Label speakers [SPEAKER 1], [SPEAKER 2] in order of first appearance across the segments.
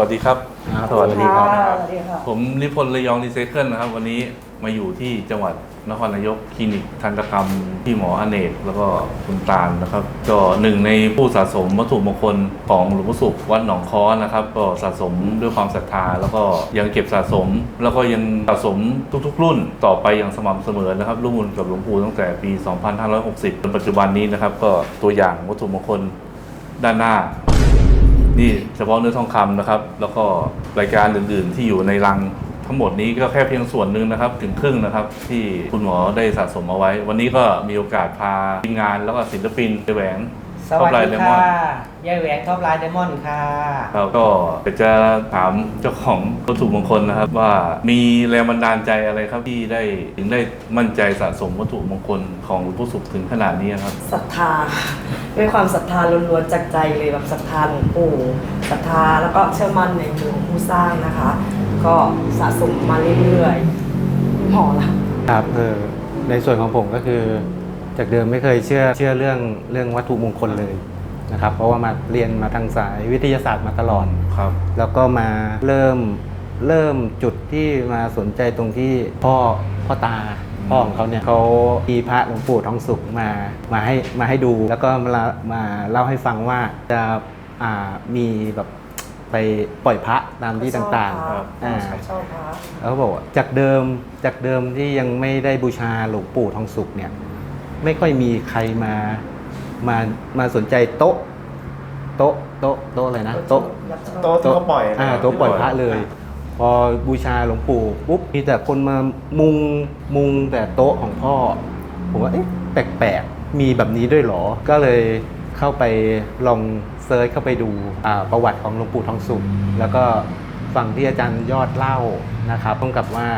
[SPEAKER 1] ดีครับ
[SPEAKER 2] สวัสดีครับ
[SPEAKER 1] ผมนิพนธ์ระยองรีไซเคิลนะครับวันนี้มาอยู่ที่จังหวัดนครนายกคลินิกทันตกรรมพี่หมออเนกแล้วก็คุณตาลนะครับก็หนึ่งในผู้สะสมวัตถุมงคลของหลวงพ่อสุขวัดหนองค้อนะครับก็สะสมด้วยความศรัทธาแล้วก็ยังเก็บสะสมแล้วก็ยังสะสมทุกๆรุ่นต่อไปอย่างสม่ำเสมอนะครับร่วมบุญกับหลวงปู่ตั้งแต่ปี 2560 จนปัจจุบันนี้นะครับก็ตัวอย่างวัตถุมงคลด้านหน้านี่เฉพาะเนื้อทองคำนะครับแล้วก็รายการอื่นๆที่อยู่ในรังทั้งหมดนี้ก็แค่เพียงส่วนหนึ่งนะครับถึงครึ่งนะครับที่คุณหมอได้สะสมเอาไว้ วันนี้ก็มีโอกาสพาทีมงานแล้วก็ศิลปินไปแหวง
[SPEAKER 2] สวัสดีค่ะยายแหวงท็อปไลน์ไดมอนด์ค่ะ
[SPEAKER 1] เราก็จะถามเจ้าของวัตถุมงคลนะครับว่ามีแรงบันดาลใจอะไรครับที่ได้ถึงได้มั่นใจสะสมวัตถุมงคลของหลวงพ่อสุขถึงขนาดนี้ครับ
[SPEAKER 3] ศรัทธาด้วยความศรัทธาล้วนๆจากใจเลยแบบศรัทธาหลวงปู่ศรัทธาแล้วก็เชื่อมั่นในหลวงผู้สร้างนะคะก็สะสมมาเรื่อยๆพอละ
[SPEAKER 2] ครับในส่วนของผมก็คือจากเดิมไม่เคยเชื่อเรื่องวัตถุมงคลเลยนะครับเพราะว่ามาเรียนมาทางสายวิทยาศาสตร์มาตลอด
[SPEAKER 1] ครับแล้ว
[SPEAKER 2] ก็มาเริ่มจุดที่มาสนใจตรงที่พ่อตาพ่อของเขาเนี่ยเขามีพระหลวงปู่ทองสุขมาให้ดูแล้วก็มาเล่าให้ฟังว่าจะมีแบบไปปล่อยพระตามที่ต่างๆแล้วเขาบอกว่าจากเดิมที่ยังไม่ได้บูชาหลวงปู่ทองสุขเนี่ยไม่ค่อยมีใครมาสนใจโต๊ะอะไรนะโต๊ะ
[SPEAKER 4] ที่เขาปล่อย
[SPEAKER 2] โต๊ะปล่อยพระเลยพอบูชาหลวงปู่ปุ๊บมีแต่คนมามุงแต่โต๊ะของพ่อผมว่าเอ๊ะแปลกๆมีแบบนี้ด้วยเหรอก็เลยเข้าไปลองเซิร์ชเข้าไปดูประวัติของหลวงปู่ทองสุขแล้วก็ฟังที่อาจารย์ยอดเล่านะครับต้องกับว่า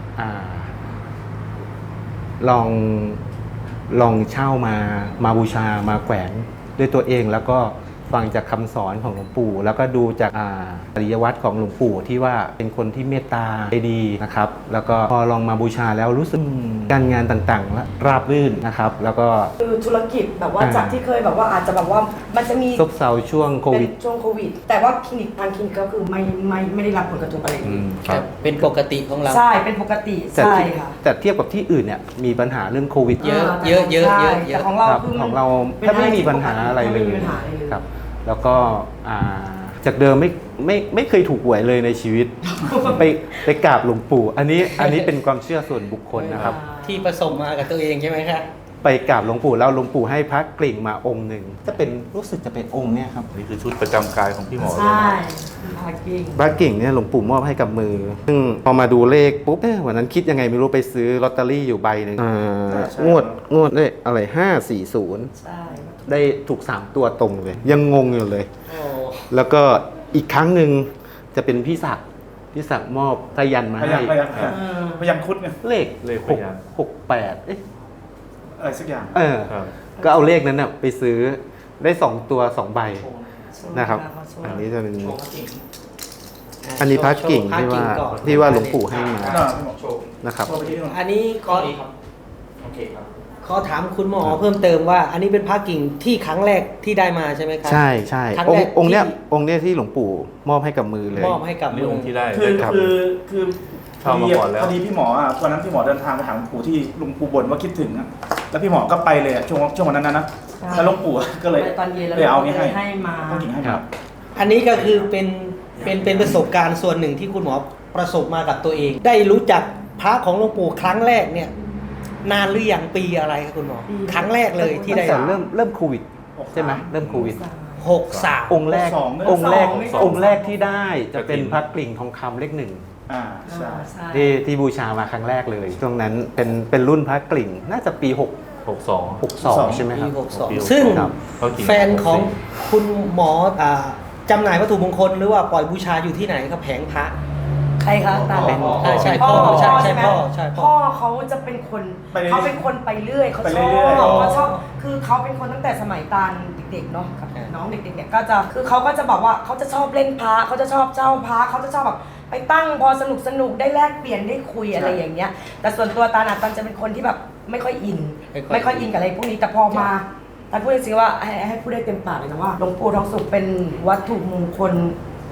[SPEAKER 2] ลองเช่ามาบูชามาแขวนด้วยตัวเองแล้วก็ฟังจากคำสอนของหลวงปู่แล้วก็ดูจากปริยวัตรของหลวงปู่ที่ว่าเป็นคนที่เมตตาใจดีนะครับแล้วก็พอลองมาบูชาแล้วรู้สึกการงานต่างๆและราบรื่นนะครับแล้วก็
[SPEAKER 3] คือธุรกิจแบบว่าจากที่เคยแบบว่าอาจจะแบบว่ามันจะมี
[SPEAKER 2] ซบเซาช่วงโควิด
[SPEAKER 3] แต่ว่าคลินิกทางคลินิกก็คือไม่ได้รับผลกระทบอะไร
[SPEAKER 2] ครับ
[SPEAKER 5] เป็นปกติของเรา
[SPEAKER 3] ใช่เป็นปกติใช่ค่ะ
[SPEAKER 2] แต่เทียบกับที่อื่นเนี่ยมีปัญหาเรื่องโควิด
[SPEAKER 5] เยอะ
[SPEAKER 3] แต่ของเราคือ
[SPEAKER 2] ของเราแทบไม่มีปัญหาอะไรเลยครับแล้วก็จากเดิมไม่เคยถูกหวยเลยในชีวิต ไปกราบหลวงปู่อันนี้เป็นความเชื่อส่วนบุคคลนะครับ
[SPEAKER 5] ที่ประสบมากับตัวเองใช่ไหมครับ
[SPEAKER 2] ไปกราบหลวงปู่แล้วหลวงปู่ให้พระกลิ่งมาองค์หนึ่งรู้สึกจะเป็นองค์เนี่ยครับ
[SPEAKER 1] นี่คือชุดประจำกายของพี่หมอเลย
[SPEAKER 3] ใช่
[SPEAKER 2] พระกลิ่งเนี่ยหลวงปู่มอบให้กับมือซึ่งพอมาดูเลขปุ๊บวันนั้นคิดยังไงไม่รู้ไปซื้อลอตเตอรี่อยู่ใบหนึ่งงวดได้อะไร540ใช่ได้ถูก3ตัวตรงเลยยังงงอยู่เลยแล้วก็อีกครั้งหนึ่งจะเป็นพี่ศักดิ์มอบพยัญมาให้
[SPEAKER 4] พยัญคุดไง
[SPEAKER 2] เลข68
[SPEAKER 4] อะไรสักอย่าง
[SPEAKER 2] ก็เอาเลขนั้นไปซื้อได้2ตัว2ใบนะครับอันนี้จะเป็นอันนี้พระกิ่งที่ว่าหลวงปู่ให้มานะครับ
[SPEAKER 5] อันนี้ขอถามคุณหมอเพิ่มเติมว่าอันนี้เป็นพระกิ่งที่ครั้งแรกที่ได้มาใช่ไหมครับ
[SPEAKER 2] ใช่องค์เนี้ยที่หลวงปู่มอบให้กับมือเลย
[SPEAKER 5] มอบให้กับมือ
[SPEAKER 1] องค์ที่ได้
[SPEAKER 4] คือพอดีพี่หมอวันนั้นพี่หมอเดินทางไปหาหลวงปู่ที่หลวงปู่บ่นว่าคิดถึงแล้วพี่หมอก็ไปเลยช่วงวันนั้นนะแล้วหลวงปู่ก็เลย
[SPEAKER 3] ตอนเย็น
[SPEAKER 4] เลยเอานี้
[SPEAKER 3] ให้มา
[SPEAKER 5] อันนี้ก็คือเป็นประสบการณ์ส่วนหนึ่งที่คุณหมอประสบมากับตัวเองได้รู้จักพระของหลวงปู่ครั้งแรกเนี่ยนานหรือยังปีอะไรครับคุณหมอครั้งแรกเลยที่ได้
[SPEAKER 2] เริ่มโควิดใช่ไหมเริ่มโควิด
[SPEAKER 5] 63
[SPEAKER 2] องค์แรกที่ได้จะเป็นพระกลิ่งทองคำเลข1ที่บูชามาครั้งแรกเลยช่วงนั้นเป็นรุ่นพระกลิ่งน่าจะปี62ใช่ไหมครับ
[SPEAKER 5] ซึ่งแฟนของคุณหมอจำหน่ายวัตถุมงคลหรือว่าปล่อยบูชาอยู่ที่ไหนครับแผงพระ
[SPEAKER 3] ใครคะตาเป็น
[SPEAKER 5] ใช่พ่อ
[SPEAKER 3] พ่อเขาจะเป็นคนไปเรื่อยเขาชอบคือเขาเป็นคนตั้งแต่สมัยตาลเด็กๆเนาะกับน้องเด็กๆเนี่ยก็จะคือเขาก็จะบอกว่าเขาจะชอบเล่นพระเขาจะชอบเจ้าพระเขาจะชอบแบบไปตั้งพอสนุกได้แลกเปลี่ยนได้คุยอะไรอย่างเงี้ยแต่ส่วนตัวตาลจะเป็นคนที่แบบไม่ค่อยอินกับอะไรพวกนี้แต่พอมาตาพูดจริงๆว่าให้พูดได้เต็มปากเลยนะว่าหลวงปู่ทองสุขเป็นวัตถุมงคล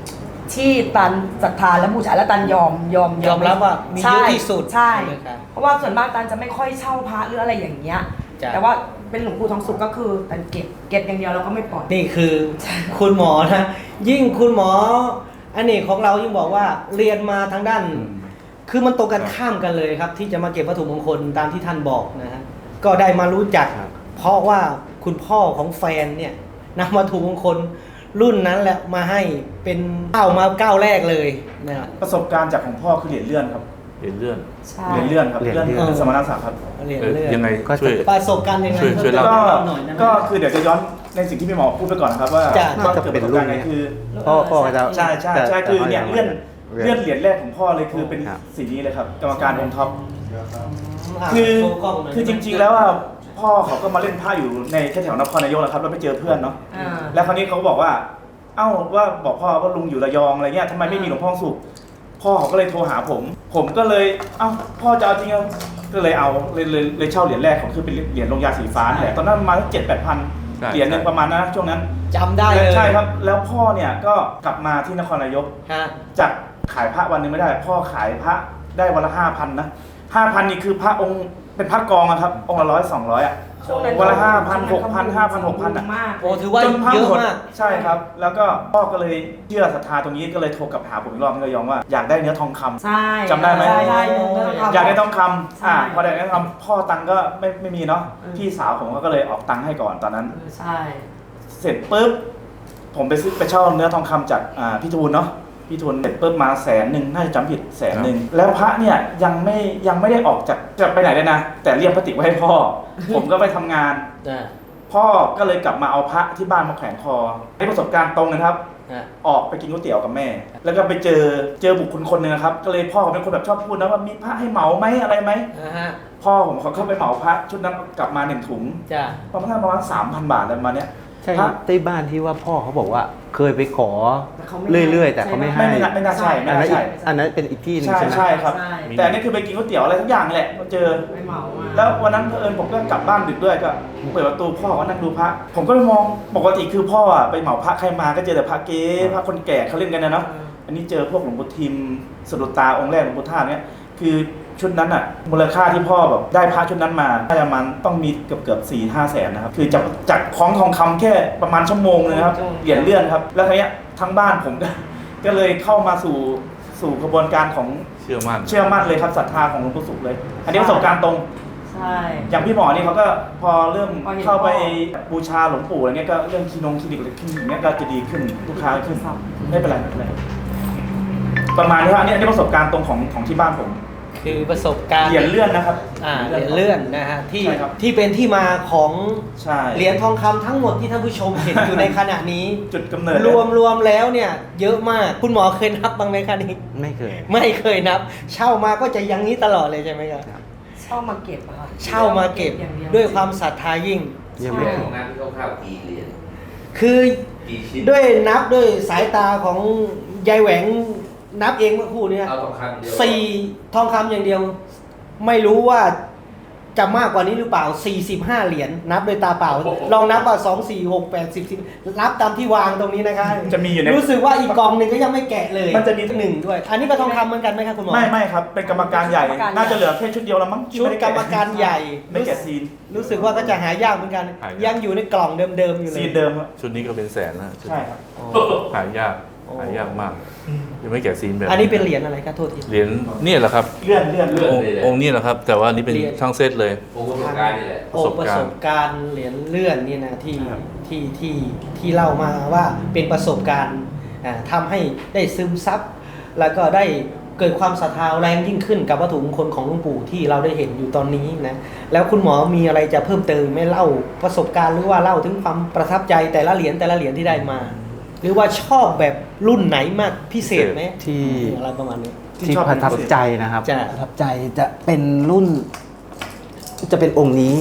[SPEAKER 3] ที่ตันศรัทธาและบูชาและตันยอม
[SPEAKER 5] ยอมรับว่ามีเยอะที่สุด
[SPEAKER 3] ใช่
[SPEAKER 5] ใช่ไหมครับ
[SPEAKER 3] เพราะว่าส่วนมากตันจะไม่ค่อยเช่าพระหรืออะไรอย่างเงี้ย
[SPEAKER 5] จ้ะ
[SPEAKER 3] แต่ว่าเป็นหลวงปู่ทองสุขก็คือตันเก็บอย่างเดียวแล้วก็ไม่ปล่อย
[SPEAKER 5] นี่คือคุณหมอนะยิ่งคุณหมออเนกของเรายิ่งบอกว่าเรียนมาทางด้าน คือมันตรงกันข้ามกันเลยครับ ที่จะมาเก็บวัตถุมงคลตามที่ท่านบอกนะฮะก็ได้มารู้จัก เพราะว่าคุณพ่อของแฟนเนี่ยนำวัตถุมงคลรุ่นนั้นแหละมาให้เป็นก้าวแรกเลยนะครับ
[SPEAKER 4] ประสบการณ์จากของพ่อคือเหรียญเลื่อนครับ
[SPEAKER 1] เหรียญเลื่อน
[SPEAKER 3] ใช่
[SPEAKER 4] เหรียญเลื่อนครับ
[SPEAKER 2] เหรียญ
[SPEAKER 4] เลื่อน
[SPEAKER 2] เลื่อน
[SPEAKER 4] สมณศักดิ์ครับ
[SPEAKER 5] เรียน
[SPEAKER 1] เออ
[SPEAKER 5] เรื่อง
[SPEAKER 1] ยังไง
[SPEAKER 2] ก็จะ
[SPEAKER 1] ช่วย
[SPEAKER 5] ประสบการณ์ยังไง
[SPEAKER 1] ช่วยเล่า
[SPEAKER 4] ก็
[SPEAKER 5] หน่อยนะ
[SPEAKER 4] ก็คือเดี๋ยวจะย้อนในสิ่งที่พี่หมอพูดไปก่อนนะครับว่า
[SPEAKER 5] จ้ะ
[SPEAKER 4] ก็เกิดประสบการณ์ไงคือ
[SPEAKER 2] พ่อจะ
[SPEAKER 4] ใช่ใช่ใช่คือเนี่ยเลื่อนเหรียญแรกของพ่อเลยคือเป็น
[SPEAKER 2] ครับ
[SPEAKER 4] สีนี้เลยครับกรรมการองค์ท็อป
[SPEAKER 5] ะ
[SPEAKER 4] คือ
[SPEAKER 5] โชว์กล้งหน่ย
[SPEAKER 4] คือจริงๆแล้วว่าพ่อเขาก็มาเล่นผ้าอยู่ในแถวๆนครนายกนะครับแล้วไปเจอเพื่อนเนาะ
[SPEAKER 3] อ่า
[SPEAKER 4] แล้วคราวนี้เขาก็บอกว่า เอ้าว่าบอกพ่อว่าลุงอยู่ระยองอะไรเงี้ยทำไมไม่มีหลวงพ่อสุขพ่อเขาก็เลยโทรหาผม ผมก็เลยเอ้าพ่อจะเอาจริงเหรอก็เลยเอาเลยเช่าเหรียญแรกของคือเป็นเหรียญลงยาสีฟ้าแหละตอนนั้นประมาณ7-8 พัน
[SPEAKER 1] ใช่
[SPEAKER 4] เหรียญหนึงประมาณนั้นนะช่วงนั้น
[SPEAKER 5] จำได้เลย
[SPEAKER 4] ใช่ครับ แล้วพ่อเนี่ยก็กลับมาที่นครนายก
[SPEAKER 5] ฮะ
[SPEAKER 4] จากขายพระวันหนึงไม่ได้ พ่อขายพระได้วันละ5,000นะ5,000นี่คือพระองค์เป็นพระกองอะครับองค์ละ100-200อะ
[SPEAKER 3] ช่วงนั้น
[SPEAKER 4] วันละ5,000
[SPEAKER 3] ช่วงนั้น
[SPEAKER 4] 6,000 5,000 6,000อะ
[SPEAKER 3] มาก
[SPEAKER 5] โอ้ถือว่า
[SPEAKER 4] จนพระ
[SPEAKER 5] เยอะ
[SPEAKER 4] หมด
[SPEAKER 5] มาก
[SPEAKER 4] ใช่ครับ แล้วก็พ่อก็เลยเชื่อศรัทธาตรงนี้ก็เลยโทรกลับหาผมอีกรอบที่ระยองว่าอยากได้เนื้อทองคำ
[SPEAKER 3] ใช่
[SPEAKER 4] จำได้ไหม
[SPEAKER 3] ใช่ใช่เนื้อทองคำ
[SPEAKER 4] อยากได้ทองค
[SPEAKER 3] ใช่
[SPEAKER 4] ำพอได้เนื้อทองคำพ่อตังค์ก็ไม่มีเนาะ
[SPEAKER 3] อืม
[SPEAKER 4] พี่สาวผมก็เลยออกตังค์ให้ก่อนตอนนั้น
[SPEAKER 3] ใช่
[SPEAKER 4] เสร็จปุ๊บผมไปเช่าเนื้อทองคำจากพี่ทูลเนาะพี่ทูลเสร็จปุ๊บมา100,000น่าจะจำผิด100,000แล้วพระเนี่ยยังไม่ได้ออกจากจะไปไหนเลยนะ แต่เรียกพระติกไว้ให้พ่อ ผมก็ไปทำงาน
[SPEAKER 5] อ่า
[SPEAKER 4] พ่อก็เลยกลับมาเอาพระที่บ้านมาแขวนคอได้ประสบการณ์ตรงนะครับ
[SPEAKER 5] อ่า
[SPEAKER 4] ออกไปกินก๋วยเตี๋ยวกับแม่ แล้วก็ไปเจอบุคคลคนหนึ่งนะครับ ก็เลยพ่อเขาเป็นคนแบบชอบพูดนะว่ามีพระให้เหมาไหมอะไรไหม
[SPEAKER 5] นะฮะ
[SPEAKER 4] พ่อผมเขาเข้าไปเหมาพระชุดนั้นกลับมา1 ถุง
[SPEAKER 5] จ้ะ
[SPEAKER 4] ประมาณ 3,000 บาทอะไรประมาณเนี้ย
[SPEAKER 2] ใช่
[SPEAKER 4] พระ
[SPEAKER 2] ที่บ้านที่ว่าพ่อเขาบอกว่าเคยไปขอ
[SPEAKER 3] แต่เขาไม่
[SPEAKER 2] เรื่อยๆ แต่เขาไม่ให้
[SPEAKER 4] ไม่น่าใช่ไม่
[SPEAKER 2] อัน
[SPEAKER 4] น่า
[SPEAKER 2] นั้น
[SPEAKER 4] ใช่
[SPEAKER 2] อันนั้นเป็นอีกที่หนึง
[SPEAKER 4] ใช่
[SPEAKER 2] ใช่ไหม
[SPEAKER 4] ใช่ครับ
[SPEAKER 3] ใช่
[SPEAKER 4] แต่อันนี่คือไปกินก๋วยเตี๋ยวอะไรทุกอย่างแหละมาเจอ
[SPEAKER 3] ไม่เหมามา
[SPEAKER 4] แล้ววันนั้นเผอิญผมก็กลับบ้านดึกด้วยก็เปิดประตูพ่อก็นั่งดูพระ ผมก็เลยมองปกติคือพ่ออะไปเหมาพระใครมาก็เจอแต่พระเก๊พระคนแก่เขาเล่นกันนะเนาะ อันนี้เจอพวกหลวงปู่ทิมสะดุดตาองค์แรกหลวงปู่ท่าตุเนี่ยคือชุดนั้นอ่ะมูลค่าที่พ่อแบบได้พระชุดนั้นมาน่าจะมันต้องมีเกือบ4-5 แสนนะครับคือจากของทองคำแค่ประมาณชั่วโมงนึงนะครับเหรียญเลื่อนครับแล้วทีเนี้ยทั้งบ้านผมก็เลยเข้ามาสู่กระบวนการของ
[SPEAKER 1] เชื่อมั่น
[SPEAKER 4] เชื่อมั่นเลยครับศรัทธาของหลวงปู่สุขเลย อันนี้ประสบการณ์ตรง
[SPEAKER 3] ใช่
[SPEAKER 4] อย่างพี่หมอนี่เขาก็พอเริ่ม
[SPEAKER 3] พอเห็น
[SPEAKER 4] เข้าไป
[SPEAKER 3] พ่อ
[SPEAKER 4] บูชาหลวงปู่อะไรเงี้ยก็เรื่องคลินิกอะไรคลินิกเนี้ยก็จะดีขึ้นลูกค้าขึ้นไม่เป็นไรไม่เป็นไรประมาณนี้ครับอันนี้ประสบการณ์ตรงของที่บ้านผม
[SPEAKER 5] คือประสบการณ์
[SPEAKER 4] เหรียญเลื่อนนะครับ
[SPEAKER 5] เหรียญเลื่อนนะฮะที่
[SPEAKER 4] ใช่ครับ
[SPEAKER 5] ที่เป็นที่มาของ
[SPEAKER 4] ใช่
[SPEAKER 5] เหรียญทองคำทั้งหมดที่ท่านผู้ชมเห็นอยู่ในขณะนี้
[SPEAKER 4] จุดกำเนิด
[SPEAKER 5] รวมแล้วเนี่ย เยอะมากคุณหมอเคยนับบ้างไหมคะนี้
[SPEAKER 2] ไม่เคย
[SPEAKER 5] ไม่เคยนับ เช่ามาก็จะอยังนี้ตลอดเลยใช่ไหมครับ
[SPEAKER 3] เช่ามาเก็บอะค่ะ
[SPEAKER 5] เช่ามาเก็บ
[SPEAKER 3] อย่างเ
[SPEAKER 5] ด้วยความศรัทธายิ่ง
[SPEAKER 2] ยังไม่
[SPEAKER 6] เรื่อง
[SPEAKER 2] เค
[SPEAKER 6] ข
[SPEAKER 2] ย
[SPEAKER 6] องงานที่เขาเข้ากี่เหรียญ
[SPEAKER 5] คือ
[SPEAKER 6] กี่ชิ้น
[SPEAKER 5] ด้วยนับด้วยสายตาของยายแหวงนับเองเมื่อครู่เนี้
[SPEAKER 6] เอาทองคำเดียว
[SPEAKER 5] 4ทองคำอย่างเดียว ไม่รู้ว่าจะมากกว่านี้หรือเปล่า 45 เหรียญนับโดยตาเปล่า ลองนับว่า2 4 6 8 10 10นับตามที่วางตรงนี้นะคะ
[SPEAKER 4] จะมีอยู่ใน
[SPEAKER 5] รู้สึกว่าอีกกองหนึ่งก็ยังไม่แกะเลย
[SPEAKER 4] มันจะมี
[SPEAKER 5] หนึ่งด้วย อันนี้ก็ทองคำเหมือนกันไหมครับคุณหมอ
[SPEAKER 4] ไม่ครับเป็นกรรมการใหญ่น่าจะเหลือแค่ชุดเดียวแล้วมั้งที่
[SPEAKER 5] ชุด
[SPEAKER 4] ไไ
[SPEAKER 5] กรรมการใหญ่
[SPEAKER 4] ไม่แกะซีน
[SPEAKER 5] รู้สึกว่าก็จะหายากเหมือนกัน
[SPEAKER 1] หายาก
[SPEAKER 5] ยังอยู่ในกล่องเดิมๆอยู่เลย
[SPEAKER 4] ซีนเดิมครับ
[SPEAKER 1] ชุดนี้ก็เป็นแสนนะชุด
[SPEAKER 4] ใช่ครับ
[SPEAKER 5] อ๋อ
[SPEAKER 1] หายาก
[SPEAKER 5] โอ้
[SPEAKER 1] หายากมากยังไม่แกะซีนแบบ
[SPEAKER 5] อันนี้เป็นเหรียญอะไรครับโทษที
[SPEAKER 1] เหรียญเนี่ยแหละครับ
[SPEAKER 4] เลื่อน
[SPEAKER 1] องค์นี้แหละครับ แต่ว่านี่เป็น
[SPEAKER 5] เหรียญ
[SPEAKER 1] ทั้งเซตเลย
[SPEAKER 6] โอ้ประสบการณ์นี่แหละ
[SPEAKER 5] โอ้ประสบการณ์เหรียญเลื่อนนี่นะที่เล่ามาว่าเป็นประสบการณ์ทำให้ได้ซึมซับแล้วก็ได้เกิดความศรัทธาแรงยิ่งขึ้นกับวัตถุมงคลของหลวงปู่ที่เราได้เห็นอยู่ตอนนี้นะแล้วคุณหมอมีอะไรจะเพิ่มเติมไหม่เล่าประสบการณ์หรือว่าเล่าถึงความประทับใจแต่ละเหรียญที่ได้มา หรือว่าชอบแบบรุ่นไหนมากพิเศษไหม
[SPEAKER 2] ที่
[SPEAKER 5] อะไรประมาณนี้
[SPEAKER 2] ที่ประทับใจนะครับ
[SPEAKER 5] จ้ะ
[SPEAKER 2] ประทับใจจะเป็นรุ่น จะเป็นองค์นี้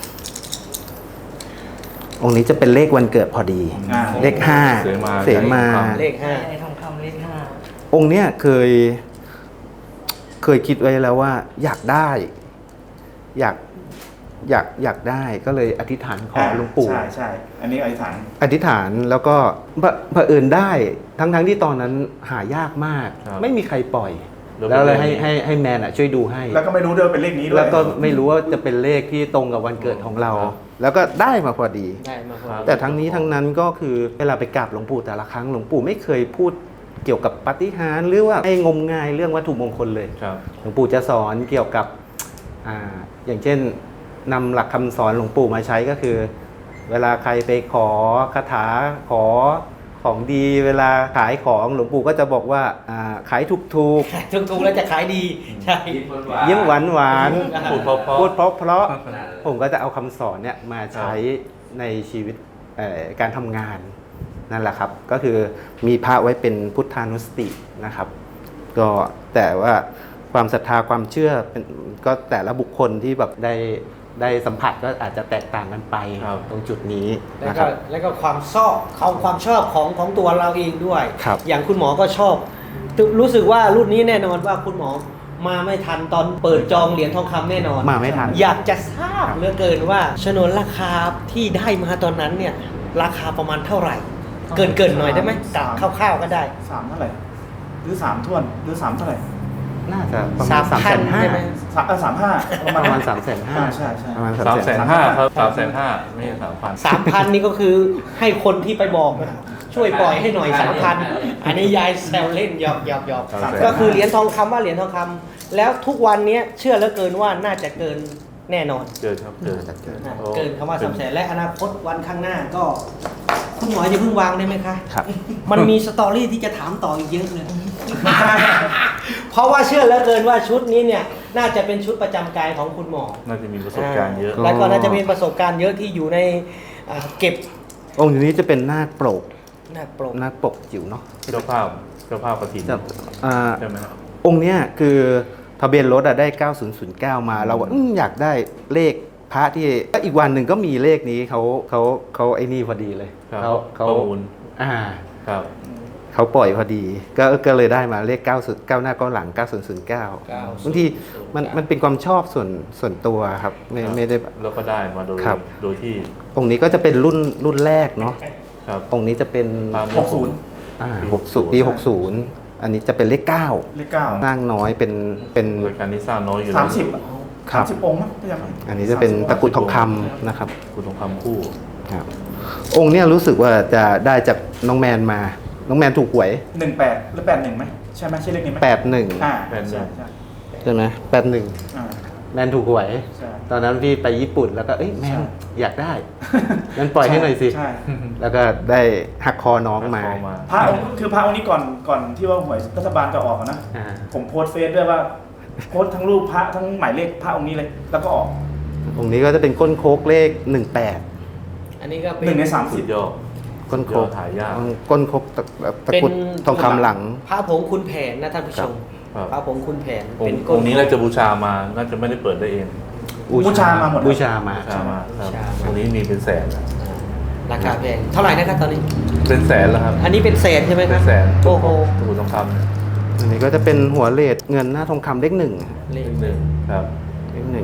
[SPEAKER 2] องค์นี้จะเป็นเลขวันเกิดพอดี เลข 5
[SPEAKER 1] เสมา
[SPEAKER 2] เสมา
[SPEAKER 5] เลข
[SPEAKER 3] ใช่ทองคำเลข
[SPEAKER 2] องค์เนี้ยเคยคิดไว้แล้วว่า อยากได้ อยอยากได้ก็เลยอธิษฐานขอหลวงปู่
[SPEAKER 4] ใช่ใช่อันนี้อธิษฐาน
[SPEAKER 2] อธิษฐานแล้วก็เผอิญได้ทั้งที่ตอนนั้นหายากมาก
[SPEAKER 1] ครับ
[SPEAKER 2] ไม่มีใครปล่อย
[SPEAKER 1] แล้ว
[SPEAKER 2] แล้วเลย
[SPEAKER 1] เป็น
[SPEAKER 2] ให้แมนช่วยดูให้
[SPEAKER 4] แล้วก็ไม่รู้ด้วยว่าเป็นเลขนี้ด้วย
[SPEAKER 2] แล้วก็ไม่รู้ว่าจะเป็นเลขที่ตรงกับวันเกิดของเรา
[SPEAKER 1] ครับ
[SPEAKER 2] แล้วก็ได้มาพอดี
[SPEAKER 5] ได้มาพอ
[SPEAKER 2] แต่ทั้งนี้ทั้งนั้นก็คือเวลาไปกราบหลวงปู่แต่ละครั้งหลวงปู่ไม่เคยพูดเกี่ยวกับปาฏิหาริย์หรือว่าให้งมงายเรื่องวัตถุมงคลเลย
[SPEAKER 1] ครับ
[SPEAKER 2] หลวงปู่จะสอนเกี่ยวกับอย่างเช่นนำหลักคำสอนหลวงปู่มาใช้ก็คือ เวลาใครไปขอคาถาขอของดี เวลาขายของหลวงปู่ก็จะบอกว่าขายถูก
[SPEAKER 5] ถูกๆแล้วจะขายดีใช่
[SPEAKER 2] ๆยิ้มหวานหวาน
[SPEAKER 1] พูดเพราะ
[SPEAKER 2] พูดเพราะ
[SPEAKER 6] นั่นแหละ
[SPEAKER 2] ผมก็จะเอาคำสอนเนี่ยมาใช้ในชีวิตการทำงานนั่นแหละครับ ก็คือมีพระไว้เป็นพุทธานุสตินะครับ ก็แต่ว่าความศรัทธาความเชื่อเป็นก็แต่ละบุคคลที่แบบได้สัมผัสก็อาจจะแตกต่างกันไป
[SPEAKER 1] ครับ
[SPEAKER 2] ตรงจุดนี้
[SPEAKER 5] แล้ว
[SPEAKER 2] นะค
[SPEAKER 5] ก็
[SPEAKER 2] รับ
[SPEAKER 5] แล้วก็ความชอบของตัวเราเองด้วย
[SPEAKER 2] ครับ
[SPEAKER 5] อย่างคุณหมอก็ชอบ รู้สึกว่ารุ่นนี้แน่นอนว่าคุณหมอมาไม่ทันตอนเปิดจองเหรียญทองคำแน่นอน
[SPEAKER 2] มาไม่ทัน
[SPEAKER 5] อยากจะทราบเหลือเกินว่าชนวนราคาที่ได้มาตอนนั้นเนี่ยราคาประมาณเท่าไหร่ เกินหน่อยได้ไหมกะคร่าวๆก็ได้
[SPEAKER 4] 3เท่าไหร่หรือ3ถ้วนหรือ3เท่าไหร่
[SPEAKER 2] น่าจะประมาณ
[SPEAKER 5] 3,000
[SPEAKER 2] 3,500,000
[SPEAKER 5] ใช่ไหม
[SPEAKER 4] 35ประมาณ
[SPEAKER 2] ประมาณ
[SPEAKER 4] ใช่ใช่
[SPEAKER 2] ประมาณ
[SPEAKER 1] 350,000ครับ350,000ไม่ใช่3,000
[SPEAKER 5] 3,000นี่ก็คือให้คนที่ไปบอกนะช่วยปล่อยให้หน่อย 3,000 อันนี้ยายแซวเล่นหยอก
[SPEAKER 1] 300,000
[SPEAKER 5] ก็คือเหรียญทองคำว่าเหรียญทองคำแล้วทุกวันนี้เชื่อเหลือเกินว่าน่าจะเกินแน่นอน
[SPEAKER 1] เกินครับเกิน
[SPEAKER 2] เกิน
[SPEAKER 5] นะเกินคำว่า300,000และอนาคตวันข้างหน้าก็ คุณหมออย่าเพิ่งวางได้ไหมคะ
[SPEAKER 2] ครับ
[SPEAKER 5] มันมีสตอรี่ที่จะถามต่ออีกเยอะเลย เพราะว่าเชื่อเหลือเกินว่าชุดนี้เนี่ยน่าจะเป็นชุดประจำกายของคุณหมอ
[SPEAKER 1] น่าจะมีประสบการณ์เยอะ
[SPEAKER 5] แล้วก็น่าจะมีประสบการณ์เยอะที่อยู่ในเก็บ
[SPEAKER 2] องค์นี้จะเป็นนาคปก
[SPEAKER 5] หน้าโปร
[SPEAKER 2] นาคปกจิ๋วเนาะ
[SPEAKER 1] เจ้าภาพกฐิน
[SPEAKER 2] จะอ่า
[SPEAKER 1] ใช่ไหมครับ
[SPEAKER 2] องค์เนี้ยคือทะเบียนรถได้ 9009 มาเราว่าอยากได้เลขพระที่ก็อีกวันหนึ่งก็มีเลขนี้เขาไอ้นี่พอดีเลย
[SPEAKER 1] ครับ
[SPEAKER 2] เขา
[SPEAKER 1] ประมูล ครับ
[SPEAKER 2] เขาปล่อยพอดี ก็เลยได้มาเลข9 9หน้า9หลัง 9009บางทีมันเป็นความชอบส่วนตัวครับไม่ได้แบบ
[SPEAKER 1] แล้วก็ได้มาโดย
[SPEAKER 2] ครับ
[SPEAKER 1] โดยที่
[SPEAKER 2] องค์นี้ก็จะเป็นรุ่นแรกเนาะ
[SPEAKER 1] ครับ
[SPEAKER 2] องค์นี้จะเป็น
[SPEAKER 1] ตาม
[SPEAKER 4] 60
[SPEAKER 2] ปี 60 อันนี้จะเป็นเลข 9
[SPEAKER 4] เลข9
[SPEAKER 2] สร้างน้อยเป็น
[SPEAKER 1] รายการนี้สร้างน้อยอยู่แล้ว
[SPEAKER 2] ครับ
[SPEAKER 4] 30องค์มั้งไม่จำไม่
[SPEAKER 2] อันนี้จะเป็นตะกรุดทองคำนะครับ
[SPEAKER 1] คุณทองคำคู่
[SPEAKER 2] ครับองค์เนี้ยรู้สึกว่าจะได้จากน้องแมนมา น้องแมนถูกหวย
[SPEAKER 4] 18หรือ81ไหมใช่ไหมใช่เลขนี้ไหม
[SPEAKER 2] 81
[SPEAKER 4] ใช่ใช่
[SPEAKER 2] ใช่ไหม81
[SPEAKER 4] อ่า
[SPEAKER 2] แมนถูกหวย
[SPEAKER 4] ใช่
[SPEAKER 2] ตอนนั้นพี่ไปญี่ปุ่นแล้วก็เอ้ยแมน
[SPEAKER 4] ใช่
[SPEAKER 2] อยากได้ งั้นปล่อยให้หน่อยสิ
[SPEAKER 4] ใช่
[SPEAKER 2] แล้วก็ได้หักคอน้องมา
[SPEAKER 1] หักคอมา
[SPEAKER 4] พระองค์คือพระองค์นี้ก่อนที่ว่าหวยรัฐบาลจะออกอะนะ
[SPEAKER 2] อ่า
[SPEAKER 4] ผมโพสต์เฟซด้วยว่าโพสต์ทั้งรูปพระทั้งหมายเลขพระองค์นี้เลย แล้วก็ออก
[SPEAKER 2] องค์นี้ก็จะเป็นก้นโคกเลข
[SPEAKER 5] อันนี้ก็เป็น
[SPEAKER 4] 1 ใน
[SPEAKER 1] สุดยอด
[SPEAKER 2] 18 ก้นโคก
[SPEAKER 1] หายาก
[SPEAKER 2] ก้นโคกตะกรุดทองคำหลัง
[SPEAKER 5] พระผงคุณแผนนะท่านผู้ชม
[SPEAKER 1] ครับ
[SPEAKER 5] พระผงคุณแผน
[SPEAKER 1] อง
[SPEAKER 5] เป็น
[SPEAKER 1] ค์
[SPEAKER 5] ก้
[SPEAKER 1] องค์นี้น่าจะบูชามา น่าจะไม่ได้เปิดได้เอง
[SPEAKER 4] บูชามาหมด
[SPEAKER 2] บูชามา
[SPEAKER 1] บูชามาครับองค์นี้มีเป็นแสนนะ
[SPEAKER 5] ราคาแพงเท่าไหร่นะครับตอนนี้
[SPEAKER 1] เป็นแสนแล้วครับ
[SPEAKER 5] อันนี้เป็นแสนใช่ไหมค
[SPEAKER 1] เป็
[SPEAKER 5] รับ
[SPEAKER 1] นแสน
[SPEAKER 5] โอ้โห
[SPEAKER 1] ตะกรุดทองคำเนี่ย
[SPEAKER 2] อันนี้ก็จะเป็นหัวเลดเงินหน้าทองคำเลข 1
[SPEAKER 5] เล
[SPEAKER 1] เล
[SPEAKER 5] ข
[SPEAKER 1] ขหนึ่งครับ
[SPEAKER 2] เลข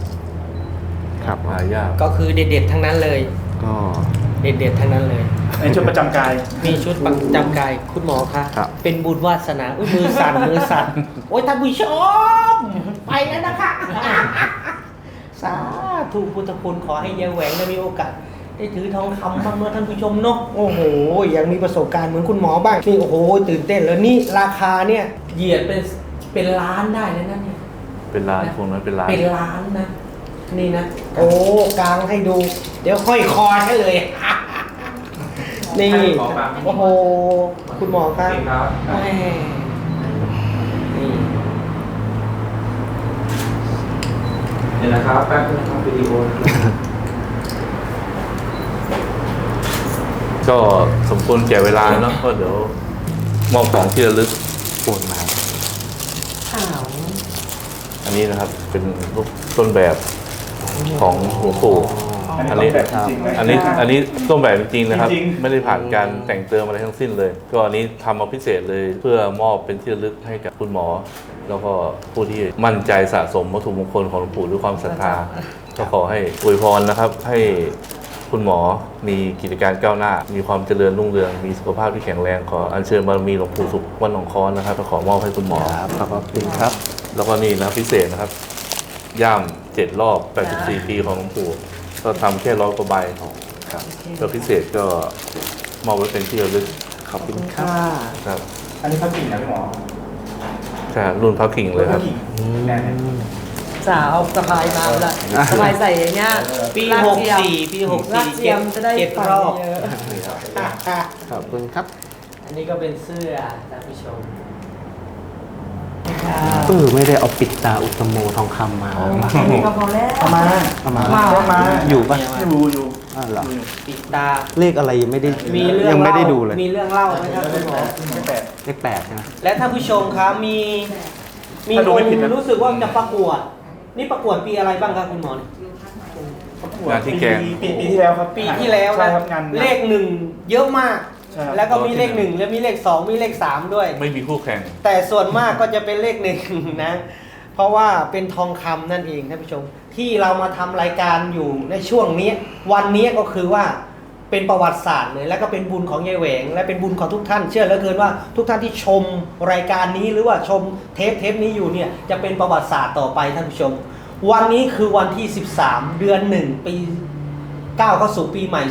[SPEAKER 2] 1ครับ
[SPEAKER 1] หายาก
[SPEAKER 5] ก็คือเด็ดๆทั้งนั้นเลย
[SPEAKER 2] ก็
[SPEAKER 5] เด็ดๆทั้งนั้นเลย
[SPEAKER 4] ในชุดประจำกาย
[SPEAKER 5] มีชุดประจำกายคุณหมอคะ
[SPEAKER 2] ครับ
[SPEAKER 5] เป็นบุญวาสนาอุ้ยมือสั่น มือสั่นโอ้ยท่านผู้ชมไปแล้วนะคะ สาธุพุทธคุณขอให้ยายแหวงได้มีโอกาสได้ถือทองคำบ้างเมื่อท่านผู้ชมเนาะโอ้โหยังมีประสบการณ์เหมือนคุณหมอบ้างนี่โอ้โหตื่นเต้นแล้วนี่ราคาเนี่ยเหยียดเป็นล้านได้เลยนะเนี่ย
[SPEAKER 1] เป็นล้านพวกนั้นเป็นล้าน
[SPEAKER 5] เป็นล้านนะ นี่นะ โอ้กลางให้ดู เดี๋ยวค่อยคอให้เลย นี่ โอ้โห คุณหมอครับแม่นี่
[SPEAKER 6] นี่นะครับแป๊บนึงนะครับวิดีโอ
[SPEAKER 1] ก็สมควรแก่เวลาเนาะก็เดี๋ยวมอบของที่ระลึก
[SPEAKER 2] โอนมา
[SPEAKER 5] ข่าว
[SPEAKER 1] อันนี้นะครับ เป็นรูปต้นแบบของหลวงปู่ อันนี้
[SPEAKER 4] แบบจริงๆนะ
[SPEAKER 1] อันนี้ต้นแบบจริงๆนะครับ
[SPEAKER 4] จริงๆ
[SPEAKER 1] ไม่ได้ผ่านการแต่งเติมอะไรทั้งสิ้นเลย ก็อันนี้ทำมาพิเศษเลยเพื่อมอบเป็นที่ระลึกให้กับคุณหมอ แล้วก็ผู้ที่มั่นใจสะสมวัตถุมงคลของหลวงปู่ด้วยความศรัทธาก็ขอให้อวยพรนะครับให้คุณหมอมีกิจการก้าวหน้า มีความเจริญรุ่งเรืองมีสุขภาพที่แข็งแรงขออัญเชิญบารมีหลวงปู่สุขวัดหนองค้อนะครับก็ขอมอบให้คุณหมอ
[SPEAKER 2] ขอบคุณครับ
[SPEAKER 1] แล้วก็นี่นะพิเศษนะครับ ย่าม7 รอบ 84 ปีของหลวงปู่ก็ทำแค่100 กว่าใบครับก็พิเศษก็มอบไว้เป็นที่ระลึก
[SPEAKER 2] ขอบคุณค
[SPEAKER 3] ค่ะ
[SPEAKER 2] รับ
[SPEAKER 1] ครับ
[SPEAKER 4] อันนี้พักกิ่งนะพี่หมอ
[SPEAKER 1] ใช่รุ่นพระกิ่งเลยครับ
[SPEAKER 4] พักกิ่งแน่น
[SPEAKER 3] สาวสะพายมาละสะพายใส่อย่างเงี้ย
[SPEAKER 5] ปี
[SPEAKER 3] ลากเทียม
[SPEAKER 5] 64 ปี
[SPEAKER 3] ลากเทียมจะได้
[SPEAKER 5] เจ็ด
[SPEAKER 3] ฝัน
[SPEAKER 5] รอบ
[SPEAKER 3] เยอะ
[SPEAKER 2] ขอบคุณครับ
[SPEAKER 5] อันนี้ก็เป็นเสื้อท่านผู้ชม
[SPEAKER 2] ไม่ได้เอาปิดตาอุตโมทองคำมา
[SPEAKER 3] ก็พอแล้ว
[SPEAKER 4] เอามา
[SPEAKER 2] เอามา
[SPEAKER 4] มา
[SPEAKER 2] อยู่ปะ
[SPEAKER 4] อยู่
[SPEAKER 2] อ้าวเหรอ
[SPEAKER 5] ปิดตา
[SPEAKER 2] เลขอะไรยังไม่ได้
[SPEAKER 5] มีเรื่อง
[SPEAKER 2] ยังไม่ได้
[SPEAKER 5] เล่า
[SPEAKER 2] ดูเลย
[SPEAKER 5] มีเรื่องเล่าไหมครับคุณหมอ
[SPEAKER 4] ไม่แปลก
[SPEAKER 2] เลข8ใช่ไหม
[SPEAKER 5] และท่านผู้ชมครับมี
[SPEAKER 4] ถ้าดู
[SPEAKER 5] ค
[SPEAKER 4] ไม่
[SPEAKER 5] น
[SPEAKER 4] ผิดนะ
[SPEAKER 5] รู้สึกว่าจะประกวด นี่ประกวดปีอะไรบ้างครับคุณหมอ
[SPEAKER 1] งานที่แกง
[SPEAKER 4] ปีที่แล้วครับ
[SPEAKER 5] ปีที่แล้ว
[SPEAKER 4] ใช่
[SPEAKER 5] นะครับ
[SPEAKER 4] งาน
[SPEAKER 5] เลขหนึ่งเยอะมาก
[SPEAKER 4] ใช่ครับ
[SPEAKER 5] แล้วก็มีเลขหนึ่งแล้วมีเลขสองมีเลขสามด้วย
[SPEAKER 1] ไม่มีคู่แข่ง
[SPEAKER 5] แต่ส่วนมากก็จะเป็นเลขหนึ่งนะ เพราะว่าเป็นทองคำนั่นเองท่านผู้ชม ที่เรามาทำรายการอยู่ในช่วงนี้วันนี้ก็คือว่าเป็นประวัติศาสตร์เลย และก็เป็นบุญของยายแหวง และเป็นบุญของทุกท่าน เชื่อเหลือเกินว่าทุกท่านที่ชมรายการนี้หรือว่าชมเทปนี้อยู่เนี่ยจะเป็นประวัติศาสตร์ต่อไปท่านผู้ชม วันนี้คือวันที่ 13 เดือน 1 ปี ก้าวเข้าสู่ปีใหม่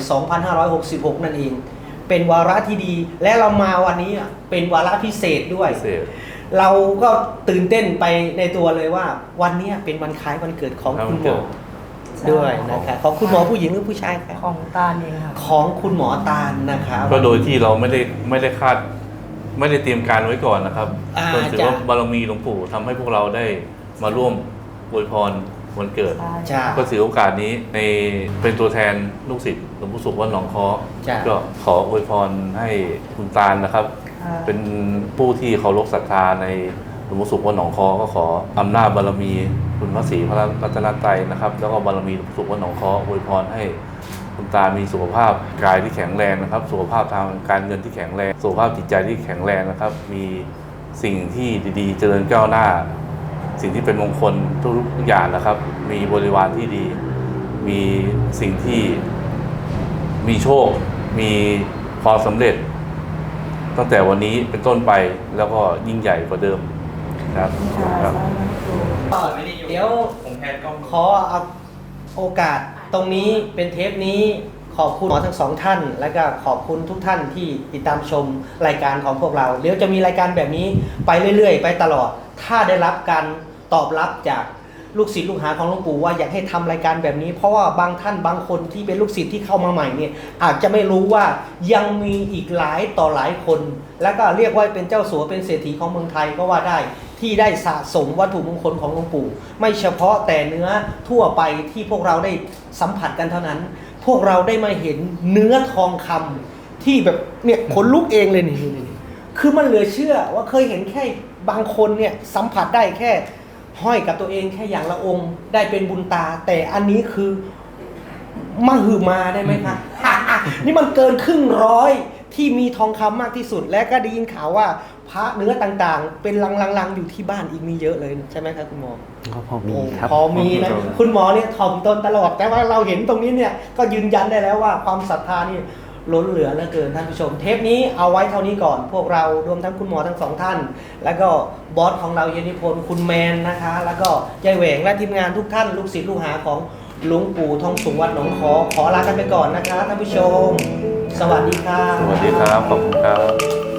[SPEAKER 5] 2566 นั่นเอง เป็นวาระที่ดี และเรามาวันนี้เป็นวาระพิเศษด้วย
[SPEAKER 1] พิเศษ
[SPEAKER 5] เราก็ตื่นเต้นไปในตัวเลยว่า วันนี้เป็นวันคล้ายวันเกิดของคุณหมอด้วยนะครับของคุณหมอผู้หญิงหรือผู้ชายครับ
[SPEAKER 3] ของตาลเองค่ะ
[SPEAKER 5] ของคุณหมอตาลนะครับ
[SPEAKER 1] ก็โดยที่เราไม่ได้คาดไม่ได้เตรียมการไว้ก่อนนะครับ ก็ถือว่าบารมีหลวงปู่ทำให้พวกเราได้มาร่วมอวยพรวันเกิด
[SPEAKER 5] จ้า
[SPEAKER 1] ก็ถือโอกาสนี้ในเป็นตัวแทนลูกศิษย์หลวงปู่สุขวัดหนองค้อ
[SPEAKER 5] จ้ะ
[SPEAKER 1] ก็ขออวยพรให้คุณตาลนะครับ
[SPEAKER 3] ค่ะ
[SPEAKER 1] เป็นผู้ที่เคารพศรัทธาในหลวงปู่สุขวัดหนองค้อก็ขออำนาจบารมีคุณพระศรีพระรัตนตรัยนะครับ แล้วก็บารมีหลวงปู่สุขวัดหนองค้ออวยพรให้คุณตามีสุขภาพกายที่แข็งแรงนะครับ สุขภาพทางการเงินที่แข็งแรง สุขภาพจิตใจที่แข็งแรงนะครับ มีสิ่งที่ดีๆ เจริญก้าวหน้า สิ่งที่เป็นมงคลทุกอย่างนะครับ มีบริวารที่ดี มีสิ่งที่มีโชค มีความสำเร็จ ตั้งแต่วันนี้เป็นต้นไปแล้วก็ยิ่งใหญ่กว่าเดิมครับครับ
[SPEAKER 5] เดี๋ยวขอเอาโอกาสตรงนี้เป็นเทปนี้ขอบคุณหมอทั้งสองท่าน และก็ขอบคุณทุกท่านที่ติดตามชมรายการของพวกเราเดี๋ยวจะมีรายการแบบนี้ไปเรื่อยๆ ไปตลอด ถ้าได้รับการตอบรับจากลูกศิษย์ลูกหาของหลวงปู่ว่าอยากให้ทำรายการแบบนี้ เพราะว่าบางท่านบางคนที่เป็นลูกศิษย์ที่เข้ามาใหม่เนี่ยอาจจะไม่รู้ว่ายังมีอีกหลายต่อหลายคน แล้วก็เรียกว่าเป็นเจ้าสัวเป็นเศรษฐีของเมืองไทยก็ว่าได้ที่ได้สะสมวัตถุมงคลของหลวงปู่ ไม่เฉพาะแต่เนื้อทั่วไปที่พวกเราได้สัมผัสกันเท่านั้น พวกเราได้มาเห็นเนื้อทองคำที่แบบเนี่ยขนลุกเองเลยนี่คือมันเหลือเชื่อว่าเคยเห็นแค่บางคนเนี่ยสัมผัสได้แค่ห้อยกับตัวเองแค่อย่างละองค์ได้เป็นบุญตา แต่อันนี้คือมหึมาได้ไหมคะ นี่มันเกินครึ่งร้อยที่มีทองคำมากที่สุด และก็ได้ยินข่าวว่าพระเนื้อต่างๆ เป็นลังๆอยู่ที่บ้านอีกมีเยอะเลยใช่ไหมครับคุณหมอ
[SPEAKER 2] ก็พอมีครับ
[SPEAKER 5] พอมีนะคุณหมอเนี่ยถ่อมตนตลอดแต่ว่าเราเห็นตรงนี้เนี่ยก็ยืนยันได้แล้วว่าความศรัทธานี่ล้นเหลือเหลือเกินท่านผู้ชมเทปนี้เอาไว้เท่านี้ก่อน พวกเรารวมทั้งคุณหมอทั้งสองท่าน แล้วก็บอสของเราเยนิพนธ์คุณแมนนะคะ แล้วก็ยายแหวงและทีมงานทุกท่านลูกศิษย์ลูกหาของหลวงปู่ทองสุขวัดหนองค้อขอลากันไปก่อนนะคะท่านผู้ชม สวัสดีค่ะ
[SPEAKER 1] สวัสดีครับ ขอบคุณครับ